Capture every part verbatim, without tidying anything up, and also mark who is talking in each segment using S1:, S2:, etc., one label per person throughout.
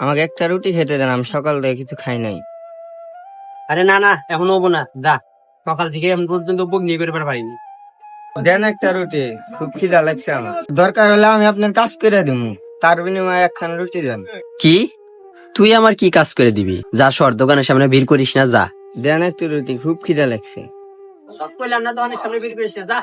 S1: আমাকে একটা রুটি খেতে দেন, আমি সকাল থেকে কিছু খাই নাই।
S2: আরে না না, এখন হবো না, যা। সকাল থেকে এখন পর্যন্ত বুক নিয়ে করে পারিনি।
S1: দেন একটা রুটি, খুব খিদা লাগছে আমার। দরকার হলে আমি আপনার কাজ করে দিব, তার বিনিময়ে একখান রুটি দেন।
S2: কি? তুই আমার কি কাজ করে দিবি? যা সর, দোকানের সামনে ভিড় করিস না, যা।
S1: দেন একটু রুটি, খুব খিদা লাগছে।
S2: কইলাম না দোকানের সামনে ভিড় করিস না, যা।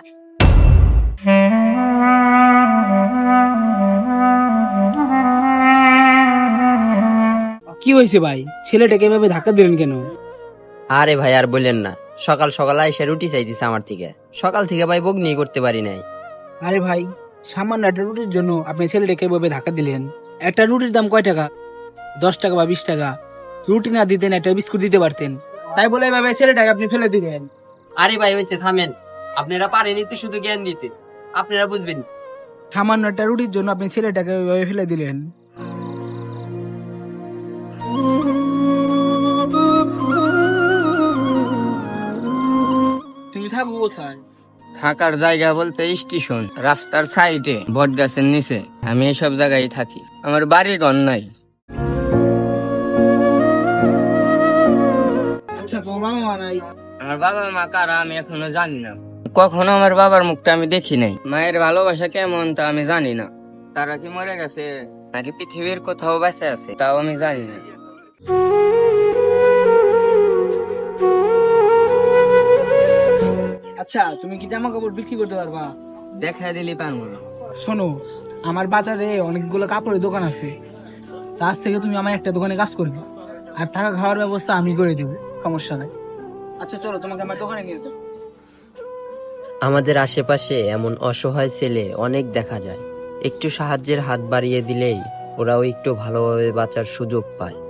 S3: কি হয়েছে ভাই, ছেলেটাকে এভাবে ধাক্কা দিলেন কেন?
S2: আরে ভাই আর বললেন না, সকাল সকাল এসে রুটি চাইতেছে আমার থেকে। সকাল থেকে ভাই বুক নিয়ে করতে পারি নাই।
S3: আরে ভাই, সামান্য একটা রুটির জন্য আপনি ছেলেটাকে এভাবে ধাক্কা দিলেন? একটা রুটির দাম কয় টাকা? দশ টাকা বা বিশ টাকা। রুটি না দিতেন একটা বিস্কুট দিতে পারতেন, তাই বলে এভাবে ছেলেটাকে আপনি ফেলে দিলেন?
S2: আরে ভাই হয়েছে, থামেন। আপনারা পারেনি তো শুধু জ্ঞান দিতে, আপনারা বুঝবেন।
S3: সামান্য একটা রুটির জন্য আপনি ছেলেটাকে ওইভাবে ফেলে দিলেন? তুমি থাকবো কোথায়?
S1: থাকার জায়গা বলতে স্টেশন, রাস্তার সাইডে, বট গাছের নিচে। আমি এইসব জায়গায় থাকি, আমার বাড়ি ঘর নাই।
S3: আচ্ছা, তোমার বাবা মা নাই?
S1: আমার বাবা মা কারা আমি এখনো জানি না, কখনো আমার বাবার মুখটা আমি দেখি নাই। মায়ের ভালোবাসা কেমন তা আমি জানি না। তারা কি মরে গেছে নাকি পৃথিবীর কোথাও বেঁচে আছে তাও আমি জানি না।
S3: আচ্ছা, তুমি কি জামা কাপড় বিক্রি করতে পারবা?
S1: দেখা দিলি পারবো না।
S3: শোনো, আমার বাজারে অনেকগুলো কাপড়ের দোকান আছে, তা আজ থেকে তুমি আমার একটা দোকানে কাজ করবে, আর থাকা খাওয়ার ব্যবস্থা আমি করে দেবো, সমস্যা নাই। আচ্ছা চলো, তোমাকে আমার দোকানে নিয়ে যাবো।
S2: আমাদের আশেপাশে এমন অসহায় ছেলে অনেক দেখা যায়। একটু সাহায্যের হাত বাড়িয়ে দিলেই ওরাও একটু ভালোভাবে বাঁচার সুযোগ পায়।